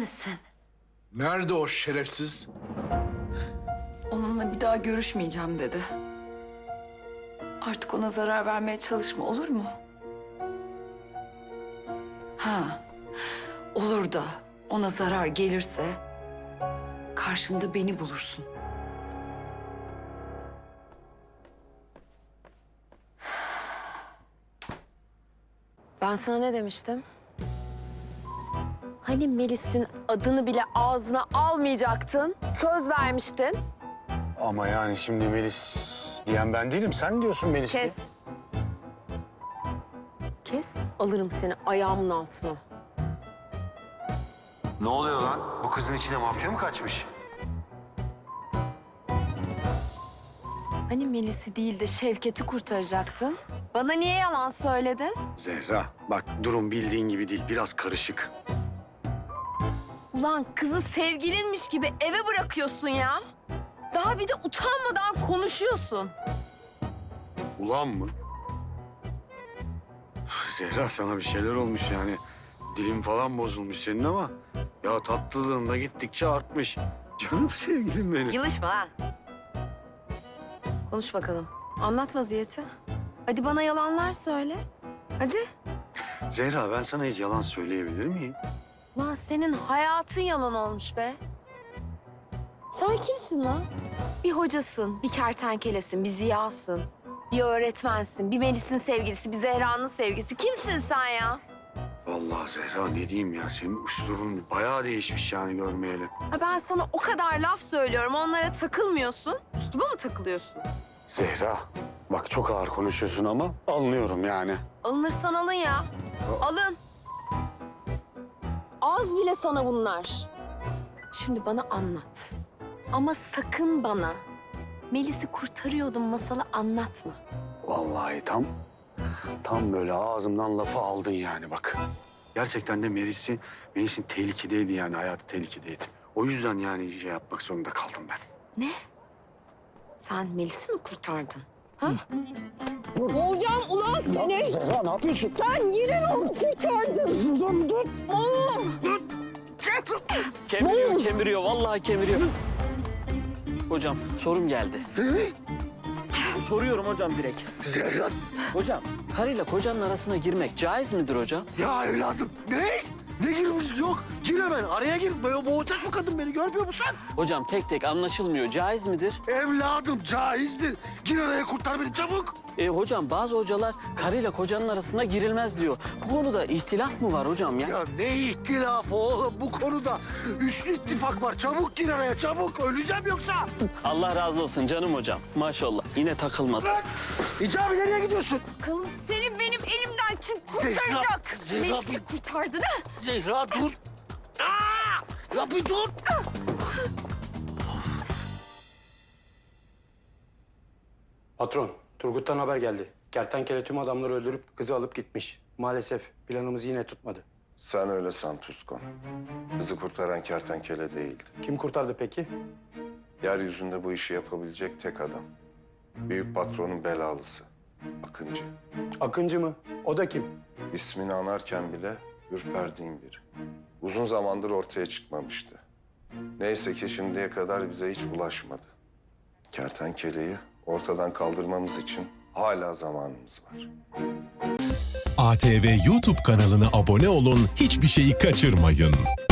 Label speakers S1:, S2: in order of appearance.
S1: misin?
S2: Nerede o şerefsiz?
S1: Onunla bir daha görüşmeyeceğim dedi. Artık ona zarar vermeye çalışma, olur mu? Ha, olur da ona zarar gelirse karşında beni bulursun.
S3: Ben sana ne demiştim? Hani Melis'in adını bile ağzına almayacaktın. Söz vermiştin.
S4: Ama yani şimdi Melis diyen ben değilim. Sen diyorsun Melis.
S3: Kes. Kes, alırım seni ayağımın altına.
S4: Ne oluyor lan? Bu kızın içine mafya mı kaçmış?
S3: Hani Melis'i değil de Şevket'i kurtaracaktın? Bana niye yalan söyledin?
S4: Zehra bak durum bildiğin gibi değil. Biraz karışık.
S3: Ulan kızı sevgilinmiş gibi eve bırakıyorsun ya. Daha bir de utanmadan konuşuyorsun.
S4: Ulan mı? Zehra sana bir şeyler olmuş yani. Dilin falan bozulmuş senin ama... Ya tatlılığın da gittikçe artmış. Canım sevgilim benim.
S3: Yılışma ha. Konuş bakalım. Anlat vaziyeti. Hadi bana yalanlar söyle. Hadi.
S4: Zehra ben sana hiç yalan söyleyebilir miyim?
S3: Lan senin hayatın yalan olmuş be. Sen kimsin lan? Bir hocasın, bir kertenkelesin, bir ziyasın. Bir öğretmensin, bir Melis'in sevgilisi, bir Zehra'nın sevgilisi. Kimsin sen ya?
S4: Vallahi Zehra ne diyeyim ya, senin üslubun bayağı değişmiş yani görmeyeli.
S3: Ha ben sana o kadar laf söylüyorum, onlara takılmıyorsun. Üstüme mi takılıyorsun?
S4: Zehra bak çok ağır konuşuyorsun ama anlıyorum yani.
S3: Alınırsan alın ya. Alın. Az bile sana bunlar. Şimdi bana anlat. Ama sakın bana Melis'i kurtarıyordum masalı anlatma.
S4: Vallahi tam böyle ağzımdan lafı aldın yani bak. Gerçekten de Melis'in tehlikedeydi yani, hayatı tehlikedeydi. O yüzden yani şey yapmak zorunda kaldım ben.
S3: Ne? Sen Melis'i mi kurtardın? Ha? Hocam ulan seni!
S4: Zehra ne yapıyorsun?
S3: Sen yine onu kurtardın!
S5: Kemiriyor, vallahi kemiriyor. Hocam, sorum geldi. Soruyorum hocam direkt.
S2: Zehra.
S5: Hocam, karıyla kocanın arasına girmek caiz midir hocam?
S2: Ya evladım ne? Ne girmiş? Yok. Gir hemen. Araya gir. Boğacak bu kadın beni. Görmüyor musun?
S5: Hocam tek tek anlaşılmıyor, caiz midir?
S2: Evladım caizdir. Gir araya kurtar beni çabuk.
S5: Hocam bazı hocalar karıyla kocanın arasına girilmez diyor. Bu konuda ihtilaf mı var hocam ya?
S2: Ya ne ihtilafı oğlum bu konuda? Üçlü ittifak var. Çabuk gir araya çabuk. Öleceğim yoksa.
S5: Allah razı olsun canım hocam. Maşallah yine takılmadı.
S2: Hicabi nereye gidiyorsun?
S3: Bakalım senin benim elimden kim kurtaracak?
S2: Zehra,
S3: Melis'i kurtardın ha?
S2: Zehra dur. Aa! Ya bir dur.
S6: Patron, Turgut'tan haber geldi. Kertenkele tüm adamları öldürüp kızı alıp gitmiş. Maalesef planımız yine tutmadı.
S7: Sen öyle san Tuskon. Kızı kurtaran kertenkele değildi.
S6: Kim kurtardı peki?
S7: Yeryüzünde bu işi yapabilecek tek adam. Büyük patronun belalısı. Akıncı.
S6: Akıncı mı? O da kim?
S7: İsmini anarken bile ürperdiğim biri. Uzun zamandır ortaya çıkmamıştı. Neyse ki şimdiye kadar bize hiç bulaşmadı. Kertenkeleyi ortadan kaldırmamız için hala zamanımız var.
S8: ATV YouTube kanalına abone olun, hiçbir şeyi kaçırmayın.